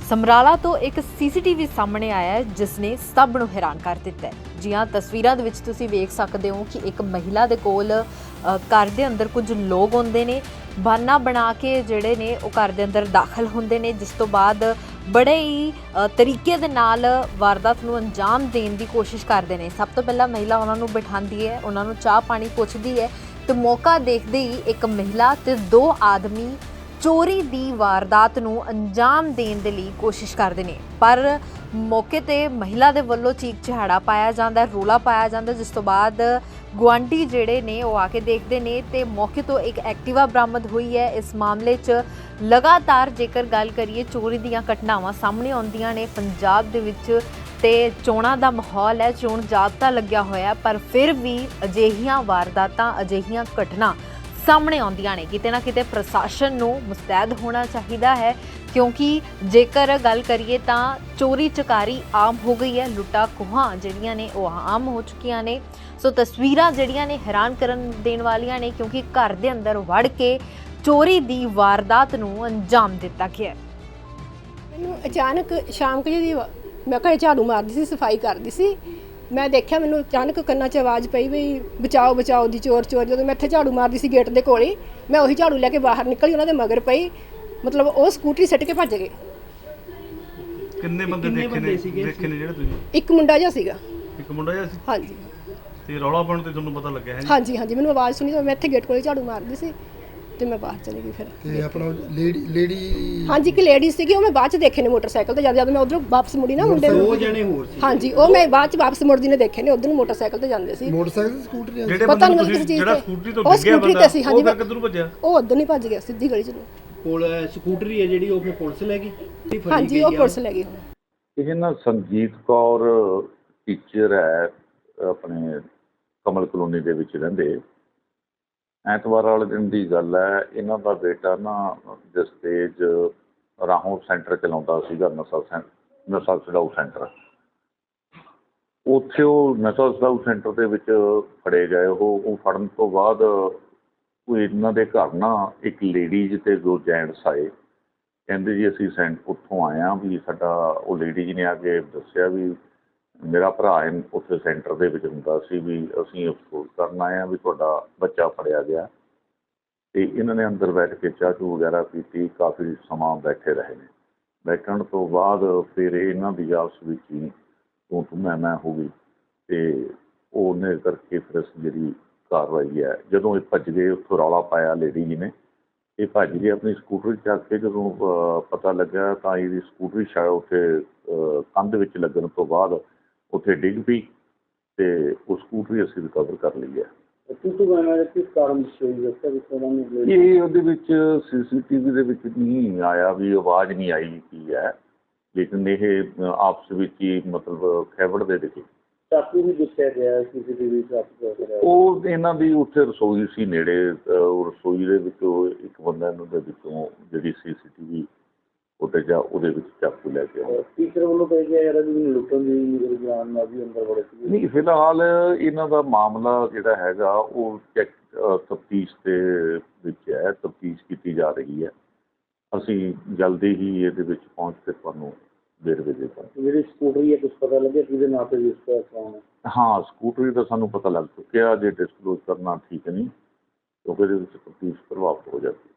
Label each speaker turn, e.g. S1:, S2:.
S1: ਸਮਰਾਲਾ ਤੋਂ ਇੱਕ ਸੀਸੀਟੀਵੀ ਸਾਹਮਣੇ ਆਇਆ ਹੈ ਜਿਸ ਨੇ ਸਭ ਨੂੰ ਹੈਰਾਨ ਕਰ ਦਿੱਤਾ ਹੈ। ਜੀ ਹਾਂ, ਤਸਵੀਰਾਂ ਦੇ ਵਿੱਚ ਤੁਸੀਂ ਵੇਖ ਸਕਦੇ ਹੋ ਕਿ ਇੱਕ ਮਹਿਲਾ ਦੇ ਕੋਲ ਘਰ ਦੇ ਅੰਦਰ ਕੁਝ ਲੋਕ ਹੁੰਦੇ ਨੇ, ਬਹਾਨਾ ਬਣਾ ਕੇ ਜਿਹੜੇ ਨੇ ਉਹ ਘਰ ਦੇ ਅੰਦਰ ਦਾਖਲ ਹੁੰਦੇ ਨੇ, ਜਿਸ ਤੋਂ ਬਾਅਦ ਬੜੇ ਹੀ ਤਰੀਕੇ ਦੇ ਨਾਲ ਵਾਰਦਾਤ ਨੂੰ ਅੰਜਾਮ ਦੇਣ ਦੀ ਕੋਸ਼ਿਸ਼ ਕਰਦੇ ਨੇ। ਸਭ ਤੋਂ ਪਹਿਲਾਂ ਮਹਿਲਾ ਉਹਨਾਂ ਨੂੰ ਬਿਠਾਉਂਦੀ ਹੈ, ਉਹਨਾਂ ਨੂੰ ਚਾਹ ਪਾਣੀ ਪੁੱਛਦੀ ਹੈ ਤੇ ਮੌਕਾ ਦੇਖਦੇ ਹੀ ਇੱਕ ਮਹਿਲਾ ਤੇ ਦੋ ਆਦਮੀ ਚੋਰੀ ਦੀ ਵਾਰਦਾਤ ਨੂੰ ਅੰਜਾਮ ਦੇਣ ਦੇ ਲਈ ਕੋਸ਼ਿਸ਼ ਕਰਦੇ ਨੇ। ਪਰ ਮੌਕੇ ਤੇ ਮਹਿਲਾ ਦੇ ਵੱਲੋਂ ਚੀਕ ਚਿਹਾੜਾ ਪਾਇਆ ਜਾਂਦਾ, ਰੌਲਾ ਪਾਇਆ ਜਾਂਦਾ, ਜਿਸ ਤੋਂ ਬਾਅਦ ਗੁਆਂਢੀ ਜਿਹੜੇ ਨੇ ਉਹ ਆ ਕੇ ਦੇਖਦੇ ਨੇ ਤੇ ਮੌਕੇ ਤੋਂ ਇੱਕ ਐਕਟਿਵਾ ਬਰਾਮਦ ਹੋਈ ਹੈ। ਇਸ ਮਾਮਲੇ 'ਚ ਲਗਾਤਾਰ ਜੇਕਰ ਗੱਲ ਕਰੀਏ ਚੋਰੀ ਦੀਆਂ ਘਟਨਾਵਾਂ ਸਾਹਮਣੇ ਆਉਂਦੀਆਂ ਨੇ ਪੰਜਾਬ ਦੇ ਵਿੱਚ ਤੇ ਚੋਣਾਂ ਦਾ ਮਾਹੌਲ ਹੈ, ਚੋਣ ਜਾਬਤਾ ਲੱਗਿਆ ਹੋਇਆ, ਪਰ ਫਿਰ ਵੀ ਅਜਿਹੀਆਂ ਵਾਰਦਾਤਾਂ, ਅਜਿਹੀਆਂ ਘਟਨਾ ਸਾਹਮਣੇ ਆਉਂਦੀਆਂ ਨੇ। ਕਿਤੇ ਨਾ ਕਿਤੇ ਪ੍ਰਸ਼ਾਸਨ ਨੂੰ ਮੁਸਤੈਦ ਹੋਣਾ ਚਾਹੀਦਾ ਹੈ, ਕਿਉਂਕਿ ਜੇਕਰ ਗੱਲ ਕਰੀਏ ਤਾਂ ਚੋਰੀ ਚਕਾਰੀ ਆਮ ਹੋ ਗਈ ਹੈ, ਲੁੱਟਾਂ ਖੋਹਾਂ ਜਿਹੜੀਆਂ ਨੇ ਉਹ ਆਮ ਹੋ ਚੁੱਕੀਆਂ ਨੇ। ਸੋ ਤਸਵੀਰਾਂ ਜਿਹੜੀਆਂ ਨੇ ਹੈਰਾਨ ਕਰਨ ਦੇਣ ਵਾਲੀਆਂ ਨੇ, ਕਿਉਂਕਿ ਘਰ ਦੇ ਅੰਦਰ ਵੜ ਕੇ ਚੋਰੀ ਦੀ ਵਾਰਦਾਤ ਨੂੰ ਅੰਜਾਮ ਦਿੱਤਾ ਗਿਆ।
S2: ਮੈਨੂੰ ਅਚਾਨਕ ਸ਼ਾਮ ਕੁ ਜਿਹੀ ਮੈਂ ਘਰੇ ਝਾੜੂ ਮਾਰਦੀ ਸੀ, ਸਫਾਈ ਕਰਦੀ ਸੀ, ਮੈਂ ਦੇਖਿਆ ਮੈਨੂੰ ਅਚਾਨਕ ਕੰਨਾਂ 'ਚ ਆਵਾਜ਼ ਪਈ ਵੀ ਬਚਾਓ ਬਚਾਓ ਦੀ, ਚੋਰ ਚੋਰ। ਜਦੋਂ ਮੈਂ ਇੱਥੇ ਝਾੜੂ ਮਾਰਦੀ ਸੀ ਗੇਟ ਦੇ ਕੋਲ ਹੀ, ਮੈਂ ਉਹੀ ਝਾੜੂ ਲੈ ਕੇ ਬਾਹਰ ਨਿਕਲੀ, ਉਹਨਾਂ ਦੇ ਮਗਰ ਪਈ, ਮਤਲਬ ਉਹ ਸਕੂਟਰੀ ਸਿੱਟ ਕੇ ਭੱਜ ਗਏ।
S3: ਕਿੰਨੇ ਬੰਦੇ ਦੇਖੇ ਨੇ ਜਿਹੜੇ ਤੁਸੀਂ?
S2: ਇੱਕ ਮੁੰਡਾ ਜਿਹਾ ਸੀਗਾ।
S3: ਇੱਕ ਮੁੰਡਾ ਜਿਹਾ ਸੀ?
S2: ਹਾਂਜੀ।
S3: ਤੇ ਰੌਲਾ ਪਾਉਣ ਤੇ ਤੁਹਾਨੂੰ ਪਤਾ ਲੱਗਿਆ ਹੈ ਜੀ?
S2: ਹਾਂਜੀ ਹਾਂਜੀ, ਮੈਨੂੰ ਆਵਾਜ਼ ਸੁਣੀ ਤਾਂ ਮੈਂ ਇੱਥੇ ਗੇਟ ਕੋਲ ਝਾੜੂ ਮਾਰਦੀ ਸੀ ਤੇ ਮੈਂ ਬਾਹਰ ਚਲੀ ਗਈ। ਫਿਰ
S4: ਤੇ ਆਪਣਾ ਲੇਡੀ
S2: ਹਾਂਜੀ, ਇੱਕ ਲੇਡੀ ਸੀਗੀ, ਉਹ ਮੈਂ ਬਾਅਦ 'ਚ ਦੇਖੇ ਨੇ ਮੋਟਰਸਾਈਕਲ ਤੇ। ਜਦ ਮੈਂ ਉਧਰੋਂ ਵਾਪਸ ਮੁੜੀ ਨਾ, ਮੁੰਡੇ
S4: ਦੋ ਜਣੇ ਹੋਰ ਸੀ।
S2: ਹਾਂਜੀ, ਉਹ ਮੈਂ ਬਾਅਦ 'ਚ ਵਾਪਸ ਮੁੜਦੀ ਨੇ ਦੇਖੇ ਨੇ, ਉਧਰ ਨੂੰ ਮੋਟਰਸਾਈਕਲ ਤੇ ਜਾਂਦੇ ਸੀ।
S4: ਮੋਟਰਸਾਈਕਲ ਸਕੂਟਰ
S3: ਜਿਹੜੇ
S2: ਪਤਾ ਨਹੀਂ
S3: ਬੰਦੇ
S2: ਮੈਨੂੰ ਕਿਸੇ ਚੀਜ਼
S3: ਜਿਹੜਾ
S2: ਤੇ।
S3: ਸਕੂਟਰੀ ਤੋਂ
S2: ਉਹ
S3: ਡਿੱਗਿਆ
S2: ਸਕੂਟਰੀ
S3: ਬੰਦਾ,
S2: ਤੇ ਸੀ। ਹਾਂਜੀ,
S3: ਉਹ ਫਿਰ ਕਿੱਧਰ ਭੱਜਿਆ?
S2: ਉਹ ਉਧਰ ਨਹੀਂ ਭੱਜ ਗਿਆ, ਸਿੱਧੀ ਗਲੀ 'ਚ ਨੂੰ।
S5: ਕੋਲ ਸਕੂਟਰੀ ਹੈ ਜਿਹੜੀ ਉਹ ਫਿਰ ਪੁਲਿਸ ਲੈ ਗਈ?
S2: ਹਾਂਜੀ, ਉਹ ਪੁਲਿਸ ਲੈ ਗਈ ਹੁਣ।
S6: ਇਹ ਨਾ ਸੰਜੀਤ ਕੌਰ ਟੀਚਰ ਹੈ, ਆਪਣੇ ਕਮਲ ਕਲੋਨੀ ਦੇ ਵਿੱਚ ਰਹਿੰਦੇ। ਐਤਵਾਰ ਵਾਲੇ ਦਿਨ ਦੀ ਗੱਲ ਹੈ, ਇਹਨਾਂ ਦਾ ਬੇਟਾ ਨਾ ਜਸਤੇਜ ਰਾਹੋਂ ਸੈਂਟਰ ਚਲਾਉਂਦਾ ਸੀਗਾ, ਨਸ਼ਾ ਛਡਾਊ ਸੈਂਟਰ। ਉੱਥੇ ਉਹ ਨਸ਼ਾ ਛਡਾਊ ਸੈਂਟਰ ਦੇ ਵਿੱਚ ਫੜੇ ਗਏ। ਉਹ ਫੜਨ ਤੋਂ ਬਾਅਦ ਉਹ ਇਹਨਾਂ ਦੇ ਘਰ ਨਾ ਇੱਕ ਲੇਡੀਜ਼ ਤੇ ਦੋ ਜੈਂਟਸ ਆਏ। ਕਹਿੰਦੇ ਜੀ ਅਸੀਂ ਉੱਥੋਂ ਆਏ ਹਾਂ, ਵੀ ਸਾਡਾ ਉਹ ਲੇਡੀਜ਼ ਨੇ ਆ ਕੇ ਦੱਸਿਆ ਵੀ ਮੇਰਾ ਭਰਾ ਉੱਥੇ ਸੈਂਟਰ ਦੇ ਵਿੱਚ ਹੁੰਦਾ ਸੀ, ਵੀ ਅਸੀਂ ਅਫਸੋਸ ਕਰਨ ਆਏ ਹਾਂ ਵੀ ਤੁਹਾਡਾ ਬੱਚਾ ਫੜਿਆ ਗਿਆ। ਅਤੇ ਇਹਨਾਂ ਨੇ ਅੰਦਰ ਬੈਠ ਕੇ ਚਾਹ ਚੂਹ ਵਗੈਰਾ ਪੀਤੀ, ਕਾਫੀ ਸਮਾਂ ਬੈਠੇ ਰਹੇ ਨੇ। ਬੈਠਣ ਤੋਂ ਬਾਅਦ ਫਿਰ ਇਹਨਾਂ ਦੀ ਆਪਸ ਵਿੱਚ ਹੀ ਤੂੰ ਮੈਂ ਹੋ ਗਈ, ਅਤੇ ਉਹਨੇ ਕਰਕੇ ਫਿਰ ਜਿਹੜੀ ਕਾਰਵਾਈ ਹੈ, ਜਦੋਂ ਇਹ ਭੱਜ ਗਏ, ਉੱਥੋਂ ਰੌਲਾ ਪਾਇਆ ਲੇਡੀ ਜੀ ਨੇ, ਇਹ ਭੱਜ ਗਏ ਆਪਣੀ ਸਕੂਟਰੀ ਚੱਕ ਕੇ। ਜਦੋਂ ਪਤਾ ਲੱਗਾ ਤਾਂ ਇਹਦੀ ਸਕੂਟਰੀ ਸ਼ਾਇਦ ਉੱਥੇ ਕੰਧ ਵਿੱਚ ਲੱਗਣ ਤੋਂ ਬਾਅਦ ਉੱਥੇ ਡਿੱਗ ਪਈ, ਅਤੇ ਉਹ ਸਕੂਟਰੀ ਅਸੀਂ ਰਿਕਵਰ ਕਰ ਲਈ ਹੈ। ਇਹ ਉਹਦੇ ਵਿੱਚ CCTV ਦੇ ਵਿੱਚ ਨਹੀਂ ਆਇਆ ਵੀ ਆਵਾਜ਼ ਨਹੀਂ ਆਈ ਕੀ ਹੈ, ਲੇਕਿਨ ਇਹ ਆਪਸ ਵਿੱਚ ਹੀ ਮਤਲਬ ਖੈਬੜ ਦੇ ਦਿਖੇ।
S5: ਚਾਕੂ ਵੀ ਦੱਸਿਆ ਗਿਆ CCTV 'ਚ।
S6: ਉਹ ਇਹਨਾਂ ਦੀ ਉੱਥੇ ਰਸੋਈ ਸੀ ਨੇੜੇ, ਰਸੋਈ ਦੇ ਵਿੱਚੋਂ ਇੱਕ ਬੰਦਾ ਇਹਨਾਂ ਦੇ ਵਿੱਚੋਂ ਜਿਹੜੀ CCTV ਉੱਤੇ ਜਾ ਉਹਦੇ ਵਿੱਚ ਚਾਕੂ ਲੈ ਕੇ ਆਇਆ।
S5: ਟੀਚਰ ਵੱਲੋਂ ਕਹਿ ਗਿਆ ਯਾਰ ਵੀ ਲੁੱਟਣ ਦੀ ਰੁਝਾਨ ਨਾਲ ਵੀ ਅੰਦਰ ਵੜੇ ਸੀ।
S6: ਨਹੀਂ, ਫਿਲਹਾਲ ਇਹਨਾਂ ਦਾ ਮਾਮਲਾ ਜਿਹੜਾ ਹੈਗਾ ਉਹ ਤਫਤੀਸ਼ ਦੇ ਵਿੱਚ ਹੈ, ਤਫਤੀਸ਼ ਕੀਤੀ ਜਾ ਰਹੀ ਹੈ। ਅਸੀਂ ਜਲਦੀ ਹੀ ਇਹਦੇ ਵਿੱਚ ਪਹੁੰਚ ਕੇ ਤੁਹਾਨੂੰ ਵੇਰਵੇ ਦੇ ਦਾਂਗੇ।
S5: ਜਿਹੜੀ ਸਕੂਟਰੀ ਹੈ ਕੁਛ ਪਤਾ ਲੱਗਿਆ ਕਿਹਦੇ ਨਾਂ 'ਤੇ ਰਜਿਸਟਰ ਕਰਾਉਣਾ?
S6: ਹਾਂ, ਸਕੂਟਰੀ ਦਾ ਸਾਨੂੰ ਪਤਾ ਲੱਗ ਚੁੱਕਿਆ, ਜੇ ਡਿਸਕਲੋਜ਼ ਕਰਨਾ ਠੀਕ ਨਹੀਂ, ਕਿਉਂਕਿ ਇਹਦੇ ਵਿੱਚ ਤਫਤੀਸ਼ ਪ੍ਰਭਾਵਿਤ ਹੋ ਜਾਂਦੀ ਹੈ।